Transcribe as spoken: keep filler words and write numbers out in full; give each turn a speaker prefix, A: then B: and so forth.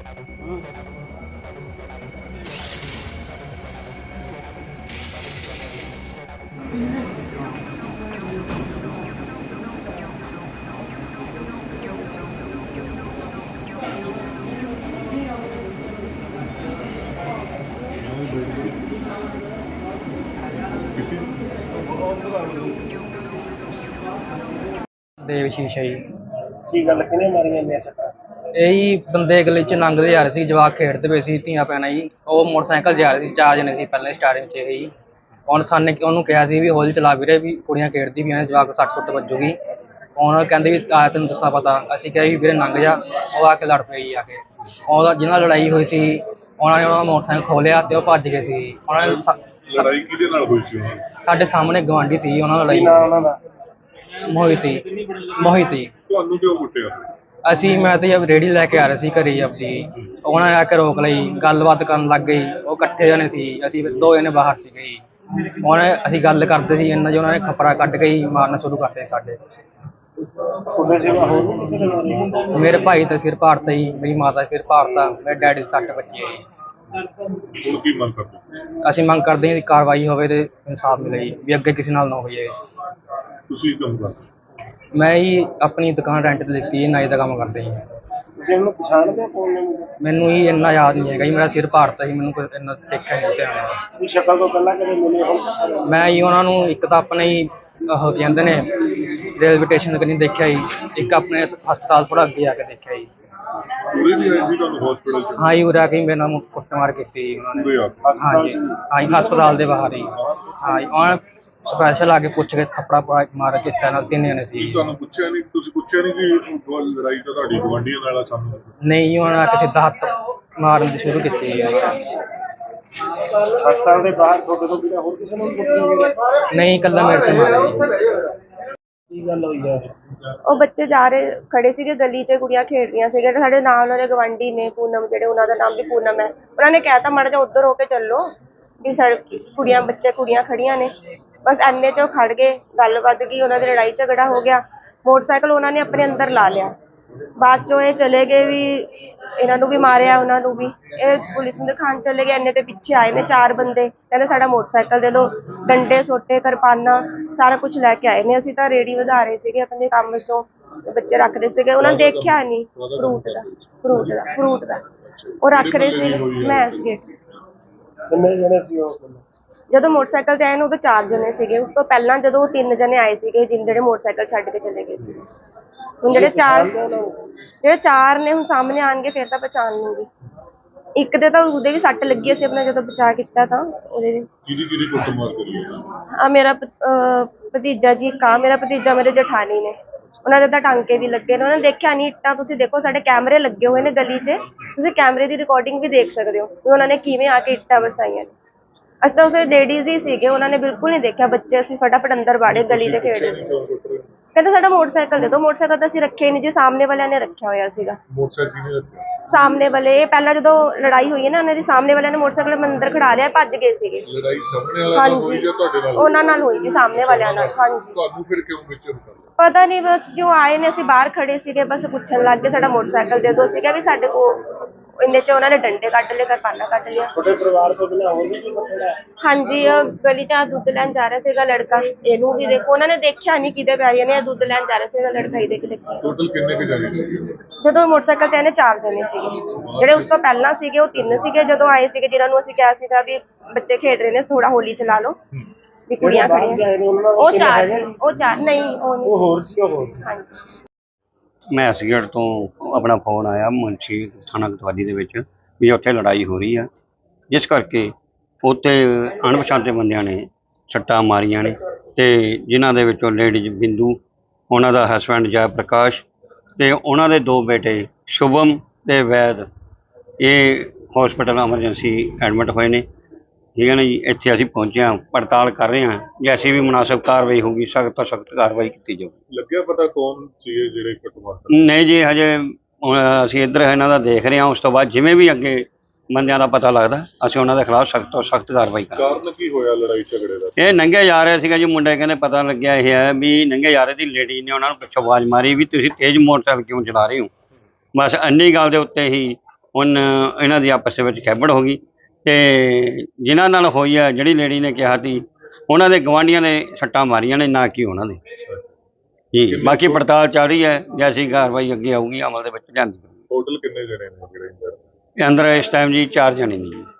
A: देवशीष है जी।
B: की गल किने मारियां ने सट्टां?
A: यही बंदे गली च लंघते जा रहे थे, जवाक खेडते पे सी धीआं भैणां जी। वो मोटरसाइकिल जा रहे थे, चार जने सी पहले स्टार्टिंग च ही। ਹੁਣ ਸਾਨੇ ਉਹਨੂੰ ਕਿਹਾ ਸੀ ਵੀ ਹੌਲੀ ਚਲਾ ਵੀਰੇ, ਵੀ ਕੁੜੀਆਂ ਖੇਡਦੀ ਪਈਆਂ ਨੇ, ਜਵਾਕ ਸੱਟ ਸੁੱਟ ਵੱਜੂਗੀ। ਹੁਣ ਕਹਿੰਦੇ ਵੀ ਆ ਤੈਨੂੰ ਦੱਸਾਂ ਪਤਾ। ਅਸੀਂ ਕਿਹਾ ਵੀ ਵੀਰੇ ਲੰਘ ਜਾ। ਉਹ ਆ ਕੇ ਲੜ ਪਈ ਆ ਕੇ। ਉਹਦਾ ਜਿਹਨਾਂ ਨਾਲ ਲੜਾਈ ਹੋਈ ਸੀ ਉਹਨਾਂ ਨੇ ਉਹਨਾਂ ਦਾ ਮੋਟਰਸਾਈਕਲ ਖੋਲਿਆ ਤੇ ਉਹ ਭੱਜ ਗਏ ਸੀ। ਉਹਨਾਂ ਨੇ
C: ਲੜਾਈ ਕਿਹਦੇ ਨਾਲ ਹੋਈ ਸੀ?
A: ਸਾਡੇ ਸਾਹਮਣੇ ਗਵਾਂਢੀ ਸੀ, ਉਹਨਾਂ ਨਾਲ ਲੜਾਈ।
B: ਉਹਨਾਂ ਦਾ
A: ਮੋਹਿਤੀ ਮੋਹਿਤੀ
C: ਤੁਹਾਨੂੰ ਕਿਉਂ ਕੁੱਟਿਆ?
A: ਅਸੀਂ ਮੈਂ ਤੇ ਰੇਹੜੀ ਲੈ ਕੇ ਆ ਰਹੇ ਸੀ ਘਰੇ ਆਪਣੀ। ਉਹਨਾਂ ਨੇ ਆ ਕੇ ਰੋਕ ਲਈ, ਗੱਲਬਾਤ ਕਰਨ ਲੱਗ ਗਈ। ਉਹ ਇਕੱਠੇ ਜਣੇ ਸੀ, ਅਸੀਂ ਦੋ ਜਣੇ ਬਾਹਰ ਸੀਗੇ ਜੀ। ਹੁਣ ਅਸੀਂ ਗੱਲ ਕਰਦੇ ਸੀ, ਇੰਨਾ ਜੀ ਉਹਨਾਂ ਨੇ ਖਪਰਾ ਕੱਢ ਕੇ ਹੀ ਮਾਰਨਾ ਸ਼ੁਰੂ ਕਰਤੇ ਸਾਡੇ। ਮੇਰੇ ਭਾਈ ਦਾ ਸਿਰ ਪਾੜਤਾ ਜੀ, ਮੇਰੀ ਮਾਤਾ ਦਾ ਸਿਰ ਪਾੜਤਾ, ਮੇਰੇ ਡੈਡੀ ਦੇ ਸੱਟ ਵੱਜੀ ਹੈ ਜੀ।
C: ਹੁਣ ਕੀ ਮੰਗ ਕਰਦੇ?
A: ਅਸੀਂ ਮੰਗ ਕਰਦੇ ਹਾਂ ਕਿ ਕਾਰਵਾਈ ਹੋਵੇ ਤੇ ਇਨਸਾਫ ਮਿਲੇ ਜੀ, ਵੀ ਅੱਗੇ ਕਿਸੇ ਨਾਲ ਨਾ ਹੋਈਏ।
C: ਤੁਸੀਂ ਕੰਮ ਕਰਦੇ?
A: ਮੈਂ ਹੀ ਆਪਣੀ ਦੁਕਾਨ ਰੈਂਟ ਤੇ ਲਿੱਤੀ ਹੈ, ਨਾਈ ਦਾ ਕੰਮ ਕਰਦੇ ਜੀ। ਮੈਨੂੰ ਹੀ ਇੰਨਾ ਯਾਦ ਨਹੀਂ ਹੈਗਾ ਜੀ, ਮੇਰਾ ਸਿਰ ਪਾੜਤਾ ਸੀ, ਮੈਨੂੰ ਕੋਈ ਇੰਨਾ ਦੇਖਿਆ ਨਹੀਂ ਧਿਆਨ।
B: ਸ਼ਕਲ ਤੋਂ ਪਹਿਲਾਂ ਕਦੇ ਮਿਲੇ ਹੋ?
A: ਮੈਂ ਜੀ ਉਹਨਾਂ ਨੂੰ ਇੱਕ ਤਾਂ ਆਪਣੇ ਹੀ ਉਹ ਕਹਿੰਦੇ ਨੇ ਰੇਲਵੇ ਸਟੇਸ਼ਨ ਕਨੀ ਦੇਖਿਆ ਜੀ, ਇੱਕ ਆਪਣੇ ਹਸਪਤਾਲ ਥੋੜਾ ਅੱਗੇ ਆ ਕੇ ਦੇਖਿਆ ਜੀ।
C: ਪੂਰੇ ਵੀ ਆਏ ਸੀ ਤੁਹਾਨੂੰ ਹਸਪੀਟਲ ਚ?
A: ਹਾਂ ਜੀ, ਉਰੇ ਆ ਕੇ ਮੇਰੇ ਨਾਲ ਕੁੱਟਮਾਰ ਕੀਤੀ ਜੀ ਉਹਨਾਂ ਨੇ। ਹਾਂਜੀ ਹਾਂ ਜੀ, ਹਸਪਤਾਲ ਦੇ ਬਾਹਰ ਹੀ। ਹਾਂ ਜੀ, ਉਹਨਾਂ ਨੇ ਸਪੈਸ਼ਲ ਆ ਕੇ ਪੁੱਛ ਕੇ ਥੱਪੜਾ ਮਾਰ ਕੇ ਨਾਲ ਤਿੰਨ ਜਣੇ ਸੀ।
C: ਤੁਹਾਨੂੰ ਪੁੱਛਿਆ ਨਹੀਂ? ਤੁਸੀਂ ਪੁੱਛਿਆ ਨਹੀਂ ਕਿ ਲੜਾਈ ਤਾਂ ਤੁਹਾਡੀ ਗੁਆਂਢੀਆਂ ਨਾਲ ਆ ਸਾਨੂੰ?
A: ਨਹੀਂ ਜੀ, ਉਹਨਾਂ ਨੇ ਆ ਕੇ ਸਿੱਧਾ ਹੱਥ ਮਾਰਨ ਦੀ ਸ਼ੁਰੂ ਕੀਤੀ ਜੀ।
B: ਹਸਪਤਾਲ ਦੇ ਬਾਹਰ ਤੁਹਾਡੇ ਤੋਂ ਬਿਨਾਂ ਹੋਰ ਕਿਸੇ ਨੂੰ ਕੁੱਟਿਆ?
A: ਨਹੀਂ, ਇਕੱਲਾ ਮੇਰੇ ਤੇ ਮਾਰਿਆ ਜੀ।
B: ਕੀ ਗੱਲ ਹੋਈ ਹੈ?
D: ਉਹ ਬੱਚੇ ਜਾ ਰਹੇ ਖੜੇ ਸੀਗੇ ਗਲੀ 'ਚ, ਕੁੜੀਆਂ ਖੇਡ ਰਹੀਆਂ ਸੀਗੇ। ਸਾਡੇ ਨਾਲ ਉਹਨਾਂ ਦੇ ਗਵਾਂਢੀ ਨੇ ਪੂਨਮ, ਜਿਹੜੇ ਉਹਨਾਂ ਦਾ ਨਾਮ ਵੀ ਪੂਨਮ ਹੈ। ਉਹਨਾਂ ਨੇ ਕਹਿ ਤਾ ਮਾੜਾ ਜਿਹਾ ਉੱਧਰ ਹੋ ਕੇ ਚੱਲੋ ਵੀ ਸੜਕ ਕੁੜੀਆਂ ਬੱਚੇ ਕੁੜੀਆਂ ਖੜੀਆਂ ਨੇ। ਬਸ ਇੰਨੇ 'ਚ ਉਹ ਖੜ ਗਏ, ਗੱਲ ਵੱਧ ਗਈ, ਉਹਨਾਂ ਦੀ ਲੜਾਈ ਝਗੜਾ ਹੋ ਗਿਆ। ਮੋਟਰਸਾਈਕਲ ਉਹਨਾਂ ਨੇ ਆਪਣੇ ਅੰਦਰ ਲਾ ਲਿਆ। ਬਾਅਦ 'ਚੋਂ ਇਹ ਚਲੇ ਗਏ ਵੀ ਇਹਨਾਂ ਨੂੰ ਵੀ ਮਾਰਿਆ, ਉਹਨਾਂ ਨੂੰ ਵੀ। ਇਹ ਪੁਲਿਸ ਨੂੰ ਦਿਖਾਉਣ ਚਲੇ ਗਏ। ਇੰਨੇ ਦੇ ਪਿੱਛੇ ਆਏ ਨੇ ਚਾਰ ਬੰਦੇ, ਕਹਿੰਦੇ ਸਾਡਾ ਮੋਟਰਸਾਈਕਲ ਦੇ ਦਿਓ। ਡੰਡੇ ਸੋਟੇ ਕਿਰਪਾਨਾਂ ਸਾਰਾ ਕੁਝ ਲੈ ਕੇ ਆਏ ਨੇ। ਅਸੀਂ ਤਾਂ ਰੇਹੜੀ ਵਧਾ ਰਹੇ ਸੀਗੇ ਆਪਣੇ ਕੰਮ ਤੋਂ, ਬੱਚੇ ਰੱਖਦੇ ਸੀਗੇ। ਉਹਨਾਂ ਨੇ ਦੇਖਿਆ ਨਹੀਂ ਫਰੂਟ ਦਾ ਫਰੂਟ ਦਾ ਫਰੂਟ ਦਾ ਉਹ ਰੱਖ ਰਹੇ ਸੀ। ਮੈਂ ਸੀਗੇ।
B: ਕਿੰਨੇ ਜਣੇ ਸੀ ਉਹ?
D: ਜਦੋਂ ਮੋਟਰਸਾਈਕਲ ਤੇ ਆਏ ਨੇ ਉਦੋਂ ਚਾਰ ਜਣੇ ਸੀਗੇ। ਉਸ ਤੋਂ ਪਹਿਲਾਂ ਜਦੋਂ ਉਹ ਤਿੰਨ ਜਣੇ ਆਏ ਸੀਗੇ, ਜਿਹੜੇ ਮੋਟਰਸਾਈਕਲ ਛੱਡ ਕੇ ਚਲੇ ਗਏ ਸੀ। ਹੁਣ ਜਿਹੜੇ ਚਾਰ ਜਿਹੜੇ ਚਾਰ ਨੇ ਹੁਣ ਸਾਹਮਣੇ ਆਣਗੇ ਫਿਰ ਤਾਂ ਪਛਾਣ ਲੂੰਗੀ। ਇੱਕ ਦੇ ਤਾਂ ਉਹਦੇ ਵੀ ਸੱਟ ਲੱਗੀ ਸੀ, ਆਪਣਾ ਜਦੋਂ ਬਚਾ ਕੀਤਾ ਤਾਂ ਉਹਦੇ ਵੀ।
C: ਕਿਹਦੀ ਕਿਹਦੀ ਕੁੱਟਮਾਰ ਕਰੀ?
D: ਆ ਮੇਰਾ ਭਤੀਜਾ ਜੀ, ਕਾ ਮੇਰਾ ਭਤੀਜਾ, ਮੇਰੇ ਜਠਾਣੀ ਨੇ, ਉਹਨਾਂ ਦੇ ਤਾਂ ਟਾਂਕੇ ਵੀ ਲੱਗੇ ਨੇ। ਉਹਨਾਂ ਨੇ ਦੇਖਿਆ ਨਹੀਂ ਇੱਟਾਂ। ਤੁਸੀਂ ਦੇਖੋ ਸਾਡੇ ਕੈਮਰੇ ਲੱਗੇ ਹੋਏ ਨੇ ਗਲੀ 'ਚ, ਤੁਸੀਂ ਕੈਮਰੇ ਦੀ ਰਿਕਾਰਡਿੰਗ ਵੀ ਦੇਖ ਸਕਦੇ ਹੋ ਵੀ ਉਹਨਾਂ ਨੇ ਕਿਵੇਂ ਆ ਕੇ ਇੱਟਾਂ ਵਰਸਾਈਆਂ ਨੇ। ਅਸੀਂ ਤਾਂ ਉਸੇ ਲੇਡੀਜ਼ ਹੀ ਸੀਗੇ, ਉਹਨਾਂ ਨੇ ਬਿਲਕੁਲ ਨਹੀਂ ਦੇਖਿਆ ਬੱਚੇ। ਅਸੀਂ ਫਟਾਫਟ ਅੰਦਰ ਵਾੜੇ, ਗਲੀ 'ਚ ਖੇਡ ਰਹੇ। ਕਹਿੰਦੇ ਸਾਡਾ ਮੋਟਰਸਾਈਕਲ ਦੇ ਦਿਓ। ਮੋਟਰਸਾਈਕਲ ਤਾਂ ਅਸੀਂ ਰੱਖਿਆ ਹੀ ਨਹੀਂ ਜੀ, ਸਾਹਮਣੇ ਵਾਲਿਆਂ ਨੇ ਰੱਖਿਆ ਹੋਇਆ ਸੀਗਾ।
C: ਮੋਟਰਸਾਈਕਲ ਕਿਹਨੇ ਰੱਖਿਆ?
D: ਸਾਹਮਣੇ ਵਾਲੇ। ਪਹਿਲਾਂ ਜਦੋਂ ਲੜਾਈ ਹੋਈ ਹੈ ਨਾ, ਉਹਨਾਂ ਦੀ ਸਾਹਮਣੇ ਵਾਲਿਆਂ ਨੇ ਮੋਟਰਸਾਈਕਲ ਅੰਦਰ ਖੜਾ ਲਿਆ, ਭੱਜ ਗਏ ਸੀਗੇ।
C: ਲੜਾਈ ਸਾਹਮਣੇ ਵਾਲਿਆਂ ਨਾਲ ਹੋਈ ਜਾਂ ਤੁਹਾਡੇ ਨਾਲ?
D: ਉਹਨਾਂ ਨਾਲ ਹੋਈ ਜੀ, ਸਾਹਮਣੇ ਵਾਲਿਆਂ ਨਾਲ। ਹਾਂਜੀ।
C: ਤੁਹਾਨੂੰ ਫਿਰ ਕਿਉਂ ਵਿੱਚ ਕਰ?
D: ਪਤਾ ਨਹੀਂ, ਬਸ ਜੋ ਆਏ ਨੇ, ਅਸੀਂ ਬਾਹਰ ਖੜੇ ਸੀਗੇ, ਬਸ ਪੁੱਛਣ ਲੱਗ ਗਏ ਸਾਡਾ ਮੋਟਰਸਾਈਕਲ ਦੇ ਦਿਓ। ਸੀਗਾ ਵੀ ਸਾਡੇ ਕੋਲ ਇੰਨੇ 'ਚ ਉਹਨਾਂ ਨੇ ਡੰਡੇ ਕੱਢ ਲਏ, ਕਿਰਪਾਨਾਂ ਕੱਢ ਲਿਆ।
B: ਤੁਹਾਡੇ ਪਰਿਵਾਰ ਤੋਂ ਬਿਨਾਂ ਹੋਰ ਵੀ ਕੋਈ ਬੱਚਾ?
D: ਹਾਂਜੀ, ਉਹ ਗਲੀ 'ਚ ਦੁੱਧ ਲੈਣ ਜਾ ਰਿਹਾ ਸੀਗਾ ਲੜਕਾ। ਇਹਨੂੰ ਵੀ ਦੇਖੋ, ਉਹਨਾਂ ਨੇ ਦੇਖਿਆ ਨਹੀਂ ਕਿਹਦੇ ਪਿਆਰੀਆਂ ਨੇ। ਦੁੱਧ ਲੈਣ ਜਾ ਰਿਹਾ ਸੀਗਾ ਲੜਕਾ, ਇਹਦੇ ਕਿ ਦੇਖੋ।
C: ਟੋਟਲ ਕਿੰਨੇ ਕੁ ਜਾਣੇ ਸੀ?
D: ਜਦੋਂ ਮੋਟਰਸਾਈਕਲ ਤੇ ਆਏ ਨੇ ਚਾਰ ਜਣੇ ਸੀਗੇ। ਜਿਹੜੇ ਉਸ ਤੋਂ ਪਹਿਲਾਂ ਸੀਗੇ ਉਹ ਤਿੰਨ ਸੀਗੇ। ਜਦੋਂ ਆਏ ਸੀਗੇ, ਜਿਹਨਾਂ ਨੂੰ ਅਸੀਂ ਕਿਹਾ ਸੀਗਾ ਵੀ ਬੱਚੇ ਖੇਡ ਰਹੇ ਨੇ, ਥੋੜਾ ਹੋਲੀ ਚਲਾ ਲਓ, ਵੀ ਕੁੜੀਆਂ ਖੜੀਆਂ, ਉਹ ਚਾਰ ਸੀ। ਉਹ ਚਾਰ ਨਹੀਂ, ਉਹ ਨਹੀਂ,
B: ਹੋਰ ਸੀ। ਉਹ ਹੋਰ।
D: ਹਾਂਜੀ।
E: ਮੈਂ ਐਸਗੇਟ ਤੋਂ ਆਪਣਾ ਫੋਨ ਆਇਆ ਮੁੰਸ਼ੀ ਥਾਣਾ ਕੋਤਵਾਲੀ ਦੇ ਵਿੱਚ ਵੀ ਉੱਥੇ ਲੜਾਈ ਹੋ ਰਹੀ ਆ, ਜਿਸ ਕਰਕੇ ਉੱਥੇ ਅਣਪਛਾਤੇ ਬੰਦਿਆਂ ਨੇ ਸੱਟਾਂ ਮਾਰੀਆਂ ਨੇ। ਅਤੇ ਜਿਨ੍ਹਾਂ ਦੇ ਵਿੱਚੋਂ ਲੇਡੀਜ਼ ਬਿੰਦੂ, ਉਹਨਾਂ ਦਾ ਹਸਬੈਂਡ ਜੈ ਪ੍ਰਕਾਸ਼ ਅਤੇ ਉਹਨਾਂ ਦੇ ਦੋ ਬੇਟੇ ਸ਼ੁਭਮ ਅਤੇ ਵੈਦ, ਇਹ ਹੌਸਪੀਟਲ ਐਮਰਜੈਂਸੀ ਐਡਮਿਟ ਹੋਏ ਨੇ। ਠੀਕ ਹੈ ਨਾ ਜੀ। ਇੱਥੇ ਅਸੀਂ ਪਹੁੰਚੇ ਹਾਂ, ਪੜਤਾਲ ਕਰ ਰਹੇ ਹਾਂ। ਜੈਸੀ ਵੀ ਮੁਨਾਸਬ ਕਾਰਵਾਈ ਹੋਊਗੀ, ਸਖਤ ਤੋਂ ਸਖਤ ਕਾਰਵਾਈ ਕੀਤੀ ਜਾਊਗੀ।
C: ਲੱਗਿਆ ਪਤਾ ਕੌਣ ਸੀ ਜਿਹੜੇ ਕੁੱਟਮਾਰ?
E: ਨਹੀਂ ਜੀ, ਹਜੇ ਅਸੀਂ ਇੱਧਰ ਇਹਨਾਂ ਦਾ ਦੇਖ ਰਹੇ ਹਾਂ। ਉਸ ਤੋਂ ਬਾਅਦ ਜਿਵੇਂ ਵੀ ਅੱਗੇ ਬੰਦਿਆਂ ਦਾ ਪਤਾ ਲੱਗਦਾ, ਅਸੀਂ ਉਹਨਾਂ ਦੇ ਖਿਲਾਫ ਸਖਤ ਤੋਂ ਸਖਤ ਕਾਰਵਾਈ ਕਰਾਂਗੇ।
C: ਕਾਰਨ ਕੀ ਹੋਇਆ ਲੜਾਈ ਝਗੜੇ ਦਾ?
E: ਇਹ ਨੰਗੇ ਜਾ ਰਹੇ ਸੀਗਾ ਜੀ, ਮੁੰਡੇ ਕਹਿੰਦੇ ਪਤਾ ਲੱਗਿਆ ਇਹ ਹੈ ਵੀ ਨੰਗੇ ਜਾ ਰਹੇ ਦੀ ਲੇਡੀ ਨੇ ਉਹਨਾਂ ਨੂੰ ਪਿੱਛੋਂ ਆਵਾਜ਼ ਮਾਰੀ ਵੀ ਤੁਸੀਂ ਤੇਜ਼ ਮੋਟਰਸਾਈਕਲ ਕਿਉਂ ਚਲਾ ਰਹੇ ਹੋ। ਬਸ ਇੰਨੀ ਗੱਲ ਦੇ ਉੱਤੇ ਹੀ ਹੁਣ ਇਹਨਾਂ ਦੀ ਆਪਸ ਦੇ ਵਿੱਚ ਖੈਬੜ ਹੋ ਗਈ ਤੇ ਜਿਨ੍ਹਾਂ ਨਾਲ ਹੋਈ ਆ, ਜਿਹੜੀ ਲੇਡੀ ਨੇ ਕਿਹਾ ਸੀ ਉਹਨਾਂ ਦੇ ਗਵਾਂਢੀਆਂ ਨੇ ਸੱਟਾਂ ਮਾਰੀਆਂ ਨੇ, ਨਾ ਕਿ ਉਹਨਾਂ ਦੇ ਜੀ। ਬਾਕੀ ਪੜਤਾਲ ਚੱਲ ਰਹੀ ਹੈ, ਜੈਸੀ ਕਾਰਵਾਈ ਅੱਗੇ ਆਊਗੀ ਅਮਲ ਦੇ ਵਿੱਚ ਲਿਆਂਦੀ।
C: ਟੋਟਲ ਕਿੰਨੇ ਜਣੇ ਨੇ ਜਿਹੜੇ ਇੰਜਰਡ?
E: ਅੰਦਰ ਇਸ ਟਾਈਮ ਜੀ ਚਾਰ ਜਣੇ ਨੇ ਜੀ।